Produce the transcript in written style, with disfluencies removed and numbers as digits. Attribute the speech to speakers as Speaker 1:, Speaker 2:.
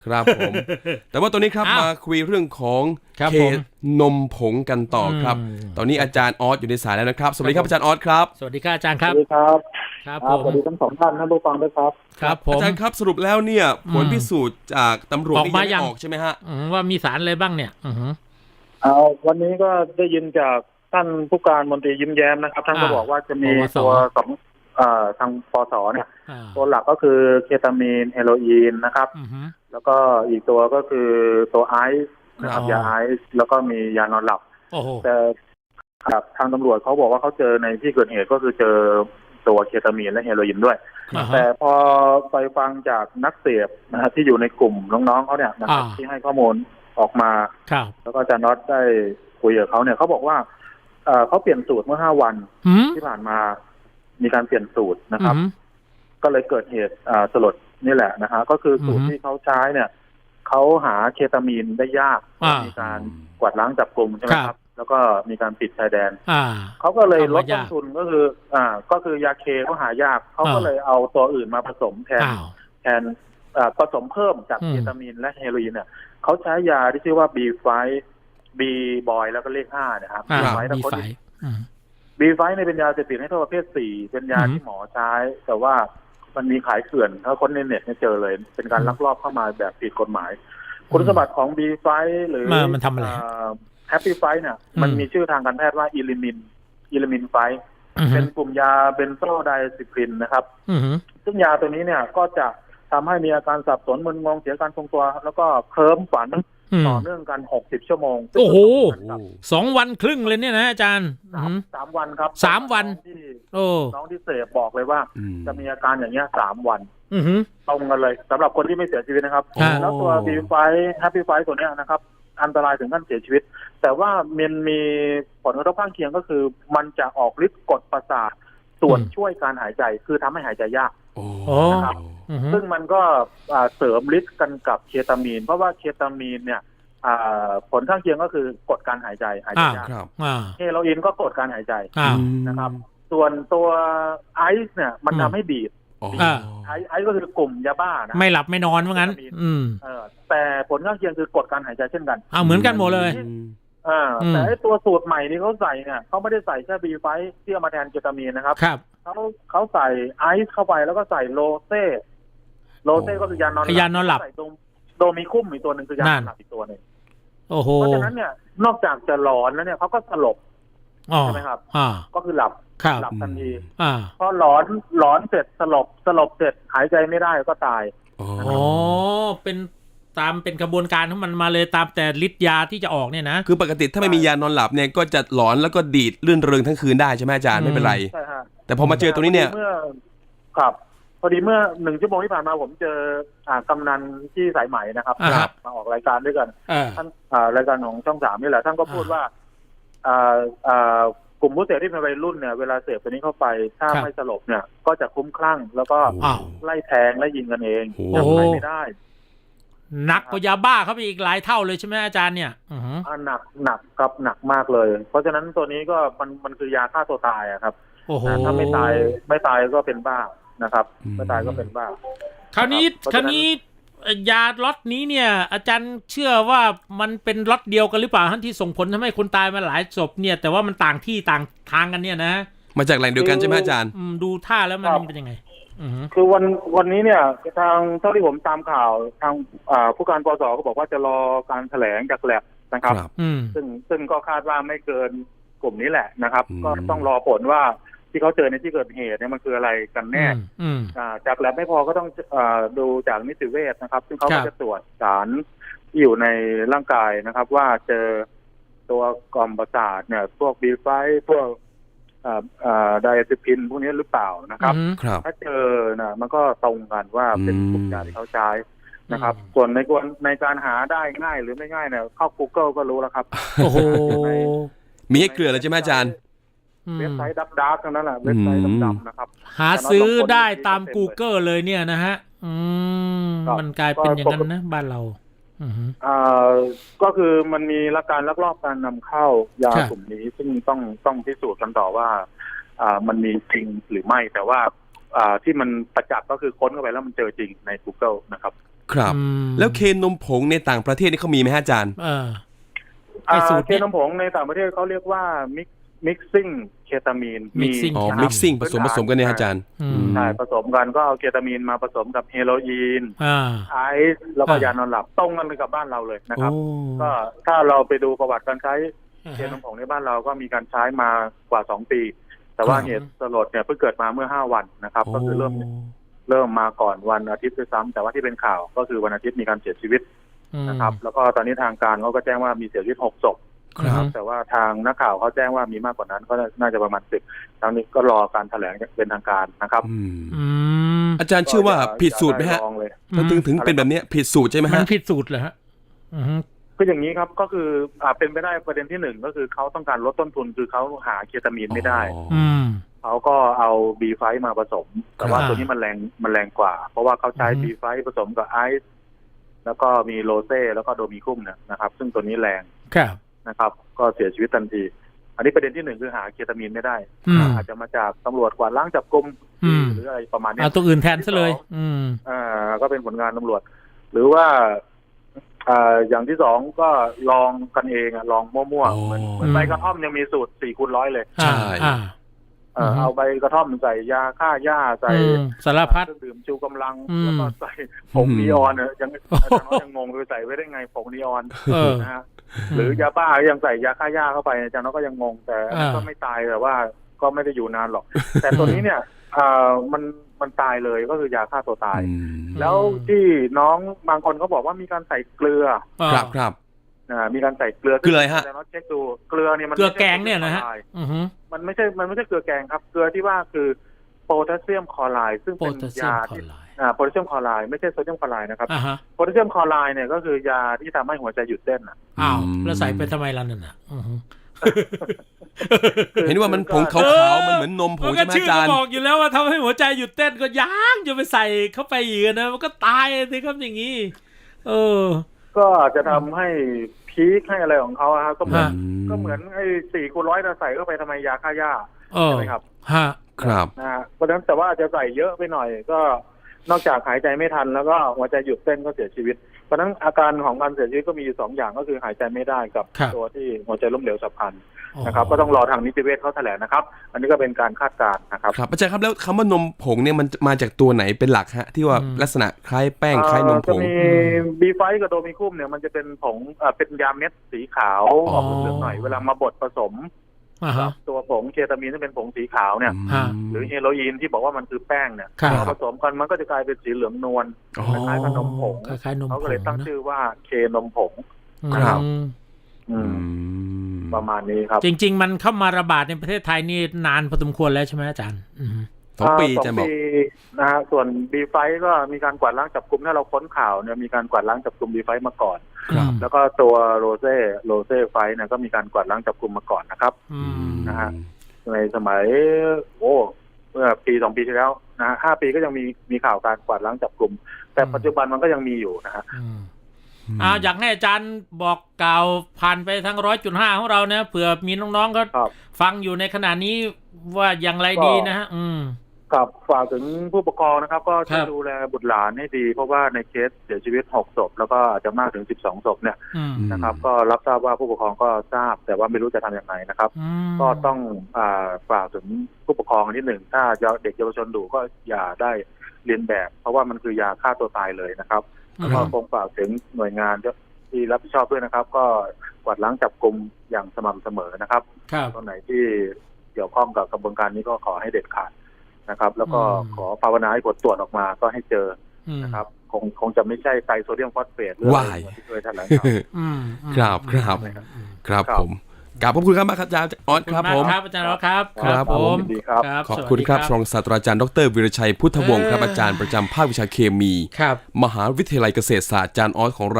Speaker 1: ครับผมแต่ว่าตอนนี้ครับมาคุยเรื่องของเคนมผงกันต่อครับตอนนี้อาจารย์ออสอยู่ในสายแล้วนะครับสวัสดีครับอาจารย์ออสครับ
Speaker 2: สวัสดีครับอาจารย์ครับ
Speaker 3: สวัสดีครับ
Speaker 2: ครับผม
Speaker 3: สวัสดีทั้งสองท่านท่านผู้ฟังด้วยครับ
Speaker 2: ครับผม
Speaker 1: อาจารย์ครับสรุปแล้วเนี่ยผลพิสูจน์จากตำรวจนี่ยังไม่ออกใช่ไหมฮะ
Speaker 2: ว่ามีสารอะไรบ้างเนี่ย
Speaker 3: วันนี้ก็ได้ยินจากท่านผู้การมนตรียิ้มแย้มนะครับท่านก็บอกว่าจะมีตัวของทางปสเนี่ยตัวหลักก็คือเคตามีนเฮโรอีนนะครับแล้วก็อีกตัวก็คือตัวไอซ์นะครับยาไอซ์แล้วก็มียานอนหลับแต่ทางตำรวจเขาบอกว่าเขาเจอในที่เกิดเหตุก็คือเจอตัวเคตามีนและเฮโรอีนด้วยแต่พอไปฟังจากนักเสพนะครับที่อยู่ในกลุ่มน้องๆเขาเนี่ยนะครับที่ให้ข้อมูลออกมาแล้วก็อาจารย์น็อตได้คุยกับเขาเนี่ยเขาบอกว่าเขาเปลี่ยนสูตรเมื่อ5 วันที่ผ่านมามีการเปลี่ยนสูตรนะครับก็เลยเกิดเหตุสลดนี่แหละนะฮะก็คือสูตรที่เขาใช้เนี่ยเขาหาเคตามีนได้ยากมีการกวาดล้างจับกลุ่มใช่ไหมครับแล้วก็มีการปิดชายแดนเขาก็เลยลดต้นทุนก็คือยาเคเขาหายากเขาก็เลยเอาตัวอื่นมาผสมแทนผสมเพิ่มจากเคตามีนและเฮโรอีนเนี่ยเขาใช้ยาที่ชื่อว่าบีบอยแล้วก็เลข5นะครับบีไฟเนี่ยเป็นยาเสพติดให้โทษประเภท4เป็นยาที่หมอใช้แต่ว่ามันมีขายเกลื่อนถ้าคนในเน็ตเนี่ยเจอเลยเป็นการลักลอบเข้ามาแบบผิดกฎหมายคุณสมบัติของบีไฟหรือ
Speaker 2: มันทำอะไร
Speaker 3: แฮปปี้ไฟเนี่ยมันมีชื่อทางการแพทย์ว่าอิลิมินไฟเป็นกลุ่มยาเบนโซไดซิคลินนะครับซึ่งยาตัวนี้เนี่ยก็จะทำให้มีอาการสับสนมึนงงเสียการทรงตัวแล้วก็เคลิ้มฝันต่อเนื่องกัน60 ชั่วโมง
Speaker 2: โอ้โห2 วันครึ่งเลยเนี่ยนะอาจารย์
Speaker 3: 3 วันครับ
Speaker 2: 3 วัน
Speaker 3: น้องที่เสพบอกเลยว่าจะมีอาการอย่างเงี้ย3 วันตรงกันเลยสำหรับคนที่ไม่เสียชีวิตนะครับแล้วตัวบีไฟแฮปปี้ไฟตัวเนี้ยนะครับอันตรายถึงขั้นเสียชีวิตแต่ว่ามันมีผลกระทบข้างเคียงก็คือมันจะออกฤทธิ์กดประสาทส่วนช่วยการหายใจคือทำให้หายใจยากนะครับซึ่งมันก็เสริมฤทธิ์กันกับเคตามีนเพราะว่าเคตามีนเนี่ยผลข้างเคียงก็คือกดการหายใจยากเฮโรอีนก็กดการหายใจนะครับส่วนตัวไอซ์เนี่ยมันทำให้บีบไอซ์ก็คือกลุ่มยาบ้านะ
Speaker 2: ไม่หลับไม่นอนว่างั้น
Speaker 3: แต่ผลข้างเคียงคือกดการหายใจเช่นกัน
Speaker 2: เหมือนกันหมดเลย
Speaker 3: แต่ตัวสูตรใหม่ที่เขาใส่เนี่ยเขาไม่ได้ใส่แค่บีไฟที่เอามาแทนเคตามีนนะครับเขาใส่ไอซ์เข้าไปแล้วก็ใส่โลเซ่ก็คือยานอนหลับใส่โดมีคุ้มอีกตัวหนึ่งคือยานอนหลับอีกตัวหนึ่งเพราะฉะนั้นเนี่ยนอกจากจะหลอนแล้วเนี่ยเขาก็สลบใช่ไหมครับก็คือหลับทันทีพอหลอนเสร็จสลบเสร็จหายใจไม่ได้ก็ตาย
Speaker 2: เป็นกระบวนการของมันมาเลยตามแต่ฤทธิ์ยาที่จะออกเนี่ยนะ
Speaker 1: คือปกติถ้าไม่มียานอนหลับเนี่ยก็จะหลอนแล้วก็ดีดลื่นเริงทั้งคืนได้ใช่ไหมอาจารย์ไม่เป็นไร
Speaker 3: ใช่ฮะ
Speaker 1: แต่พอมาเจอตัวนี้เนี่ย
Speaker 3: ครับพอดีเมื่อ1 ชั่วโมงที่ผ่านมาผมเจอกำนันที่สายไหมนะครับมาออกรายการด้วยกันท่านรายการของช่อง3นี่แหละท่านก็พูดว่ากลุ่มผู้เสพที่เป็นวัยรุ่นเนี่ยเวลาเสพตัวนี้เข้าไปถ้าไม่สลบเนี่ยก็จะคุ้มคลั่งแล้วก็ไล่แทงไล่ยิงกันเองยังไงไม่ได้
Speaker 2: หนักกว่ายาบ้าเข้าไปอีกหลายเท่าเลยใช่ไหมอาจารย์เนี่ย
Speaker 3: หนักครับหนักมากเลยเพราะฉะนั้นตัวนี้ก็มันคือยาฆ่าตัวตายอะครับถ้าไม่ตายก็เป็นบ้านะครับไม่ตายก็เป็นบ้า
Speaker 2: คราวนี้ยาล็อตนี้เนี่ยอาจารย์เชื่อว่ามันเป็นล็อตเดียวกันหรือเปล่าที่ส่งผลทำให้คนตายมาหลายศพเนี่ยแต่ว่ามันต่างที่ต่างทางกันเนี่ยนะ
Speaker 1: มาจากแหล่งเดียวกันใช่ไหมอาจารย์
Speaker 2: ดูท่าแล้วมันเป็นยังไง
Speaker 3: คือวันนี้เนี่ยทางเท่าที่ผมตามข่าวทางผู้การปส.ก็บอกว่าจะรอการแถลงจากแลบนะครับซึ่งก็คาดว่าไม่เกินกลุ่มนี้แหละนะครับก็ต้องรอผลว่าที่เขาเจอในที่เกิดเหตุเนี่ยมันคืออะไรกันแน่จากแลบไม่พอก็ต้องดูจากนิติเวชนะครับซึ่งเขาก็จะตรวจสารที่อยู่ในร่างกายนะครับว่าเจอตัวกล่อมประสาทเนี่ยพวกบีไฟพวกไดอะซิพินพวกนี้หรือเปล่านะครับถ้าเจอนะมันก็ตรงกันว่าเป็นกลุ่มยาที่เขาใช้นะครับส่วนในการหาได้ง่ายหรือไม่ง่ายเนี่ยเข้า Google ก็รู้แล้วครับ
Speaker 2: โอ้โห
Speaker 1: มีให้เกลือแล้วใช่ไหมอาจารย์
Speaker 3: เว็บไซต์ดับๆทั้งนั้นแหละเว็บไซต์ดำๆนะครับ
Speaker 2: หาซื้อได้ตาม Google เลยเนี่ยนะฮะมันกลายเป็นอย่างนั้นนะบ้านเรา
Speaker 3: ก็คือมันมีการลักลอบการนำเข้ายากลุ่มนี้ซึ่งต้องพิสูจน์กันต่อว่ามันมีจริงหรือไม่แต่ว่าที่มันประจักษ์ก็คือค้นเข้าไปแล้วมันเจอจริงใน Google นะครับ
Speaker 1: ครับแล้วเคนมผงในต่างประเทศนี่เขามีไหมฮะอาจารย์
Speaker 3: เคนมผงในต่างประเทศเขาเรียกว่าmixing เคตามีน
Speaker 1: mixing ผสมกันเนี่ยอาจารย์
Speaker 3: ใช่ผสมกันก็เอาเคตามีนมาผสมกับเฮโรอีนไอซ์แล้วก็ยานอนหลับตรงกันเลยกับบ้านเราเลยนะครับก็ถ้าเราไปดูประวัติการใช้เคนมผงในบ้านเราก็มีการใช้มากว่า2 ปีแต่ว่าเหตุสลดเนี่ยเพิ่งเกิดมาเมื่อ5 วันนะครับก็คือเริ่มมาก่อนวันอาทิตย์ด้วยซ้ำแต่ว่าที่เป็นข่าวก็คือวันอาทิตย์มีการเสียชีวิตนะครับแล้วก็ตอนนี้ทางการเขาก็แจ้งว่ามีเสียชีวิต6 ศพแต่ว่าทางนักข่าวเขาแจ้งว่ามีมากกว่านั้นก็น่าจะประมาณ10ทางนี้ก็รอการแถลงเป็นทางการนะครับ
Speaker 1: อาจารย์เชื่อว่าผิดสูตรไหมฮะถึงเป็นแบบนี้ผิดสูตรใช่ไหมฮะ
Speaker 2: มันผิดสูตรเหรอฮะ
Speaker 3: คืออย่างนี้ครับก็คือเป็นไปได้ประเด็นที่1ก็คือเขาต้องการลดต้นทุนคือเขาหาเคตามีนไม่ได้เขาก็เอา B5 มาผสมแต่ว่าตัวนี้มันแรงกว่าเพราะว่าเขาใช้ B5 ผสมกับไอซ์แล้วก็มีโรเซ่แล้วก็โดมิคุ้มนะครับซึ่งตัวนี้แรงนะครับก็เสียชีวิตทันทีอันนี้ประเด็นที่1คือหาเคตามีนไม่ได้อาจจะมาจากตำรวจกวาดล้างจับกุมหรืออะไรประมาณนี้
Speaker 2: ตัวอื่นแทนซะเลย
Speaker 3: ก็เป็นผลงานตำรวจหรือว่าอย่างที่2ก็ลองกันเองลองมั่วๆเหมือนใบกระท่อมยังมีสูตร4/100เลย
Speaker 1: ใช่
Speaker 3: เอาใบกระท่อมใส่ยาฆ่าหญ้าใส่
Speaker 2: สารพัด
Speaker 3: เครื่องดื่มชูกำลังแล้วก็ใส่ผงนีออนยังอาจารย์น้อยยังงงเลยใส่ไว้ได้ไงผงนีออนนะฮะหรือยาบ้ายังใส่ยาฆ่าหญ้าเข้าไปอาจารย์น้อยก็ยังงงแต่ก็ไม่ตายแต่ว่าก็ไม่ได้อยู่นานหรอกแต่ตัวนี้เนี่ยมันตายเลยก็คือยาฆ่าตัวตายแล้วที่น้องบางคนเขาบอกว่ามีการใส่เกลือ
Speaker 1: ครับ
Speaker 3: มีการใส่เกลือ
Speaker 1: ฮะ
Speaker 3: เช็คดูเกลือเนี่ยมัน
Speaker 2: เกลือแกงเนี่ยนะฮะ
Speaker 3: มันไม่ใช่เกลือแกงครับเกลือที่ว่าคือโพแทสเซียมคลอไรด์ซึ่งเป็นยาที่โพแทสเซียมคลอไรด์ไม่ใช่โซเดียมคลอไรด์นะครับโพแทสเซียมคลอไรด์เนี่ยก็คือยาที่ทำให้หัวใจหยุดเต้น
Speaker 2: แล้วใส่ไปทำไมล่ะนั่นน่ะ
Speaker 1: เห็นว่ามันผงขาวๆมันเหมือนนมผงใช่ไหมอาจารย์
Speaker 2: บอกอยู่แล้วว่าทำให้หัวใจหยุดเต้นก็ยังจะไปใส่เข้าไปอีกนะมันก็ตายสิครับอย่างนี้
Speaker 3: ก็จะทำให้พีคให้อะไรของเขาครับก็เหมือนไอ้4/100เราใส่เข้าไปทำไมยาฆ่าหญ้าใช่ไหมครับ
Speaker 1: ครับ
Speaker 3: เพราะฉะนั้นแต่ว่าจะใส่เยอะไปหน่อยก็นอกจากหายใจไม่ทันแล้วก็หัวใจหยุดเต้นก็เสียชีวิตเพราะฉะนั้นอาการของการเสียชีวิตก็มีอยู่2 อย่างก็คือหายใจไม่ได้กับตัวที่หัวใจล้มเหลวฉับพลันนะครับก็ต้องรอทางนิติเวชเขาแถลงนะครับอันนี้ก็เป็นการคาดการณ์นะครับ
Speaker 1: ครับอาจารย์ครับแล้วคำว่านมผงเนี่ยมันมาจากตัวไหนเป็นหลักฮะที่ว่าลักษณะคล้ายแป้งคล้ายนมผง
Speaker 3: จะมี B5 กับโดมิคุ้มเนี่ยมันจะเป็นผงเป็นยาเม็ดสีขาวออกเหลืองหน่อยเวลามาบดผสมตัวผงเคตามีนที่เป็นผงสีขาวเนี่ยหรือเฮโรอีนที่บอกว่ามันคือแป้งเนี่ยผสมกันมันก็จะกลายเป็นสีเหลืองนวลคล้ายๆกับนมผงเขาก็เลยตั้งชื่อว่าเคนมผง
Speaker 1: ครับ
Speaker 3: ประมาณนี้ครับ
Speaker 2: จริงๆมันเข้ามาระบาดในประเทศไทยนี่นานพอสมควรแล้วใช่ไหมอาจารย์
Speaker 1: 2 ปีจะบอก
Speaker 3: นะฮะส่วน B5 ก็มีการกวาดล้างจับกุมถ้าเราค้นข่าวเนี่ยมีการกวาดล้างจับกุม B5 มาก่อนแล้วก็ตัวโรเซ่ไฟเนี่ยก็มีการกวาดล้างจับกุมมาก่อนนะครับนะฮะในสมัยเมื่อปี2 ปีที่แล้วนะ5 ปีก็ยังมีข่าวการกวาดล้างจับกุมแต่ปัจจุบันมันก็ยังมีอยู่นะฮะ
Speaker 2: อยากให้อาจารย์บอกกล่าวผ่านไปทาง 100.5 ของเราเนี่ยเผื่อมีน้องๆก็ฟังอยู่ในขณะนี้ว่าอย่างไรดีนะฮะ
Speaker 3: ครับฝากถึงผู้ปกครองนะครับก็ช่วยดูแลบุตรหลานให้ดีเพราะว่าในเคสเสียชีวิต6 ศพแล้วก็อาจจะมากถึง12 ศพเนี่ยนะครับก็รับทราบว่าผู้ปกครองก็ทราบแต่ว่าไม่รู้จะทำยังไงนะครับก็ต้องฝากถึงผู้ปกครองนิดหนึ่งถ้าเด็กเยาวชนดูก็อย่าได้เลียนแบบเพราะว่ามันคือยาฆ่าตัวตายเลยนะครับแล้วก็คงฝากถึงหน่วยงานที่รับผิดชอบด้วยนะครับก็กวาดล้างจับกุมอย่างสม่ำเสมอนะครับตรงไหนที่เกี่ยวข้องกับกระบวนการนี้ก็ขอให้เด็ดขาดนะครับแล้วก็ขอภาวนาให้ผลตรวจออกมาก็ให้เจอนะครับคงจะไม่ใช่ไตรโซเดียมฟอสเฟตหรืออะไรที่เคยแถลง
Speaker 1: ครับผมกราบขอบคุณครับมากครับอาจารย์ออสครับผม
Speaker 2: ครับอาจารย์ออสครับ
Speaker 1: ครับผมขอบคุณครับรองศาสตราจารย์ดร.วีรชัยพุทธวงศ์ครับอาจารย์ประจำภาควิชาเคมีมหาวิทยาลัยเกษตรศาสตร์อาจารย์ออสของเรา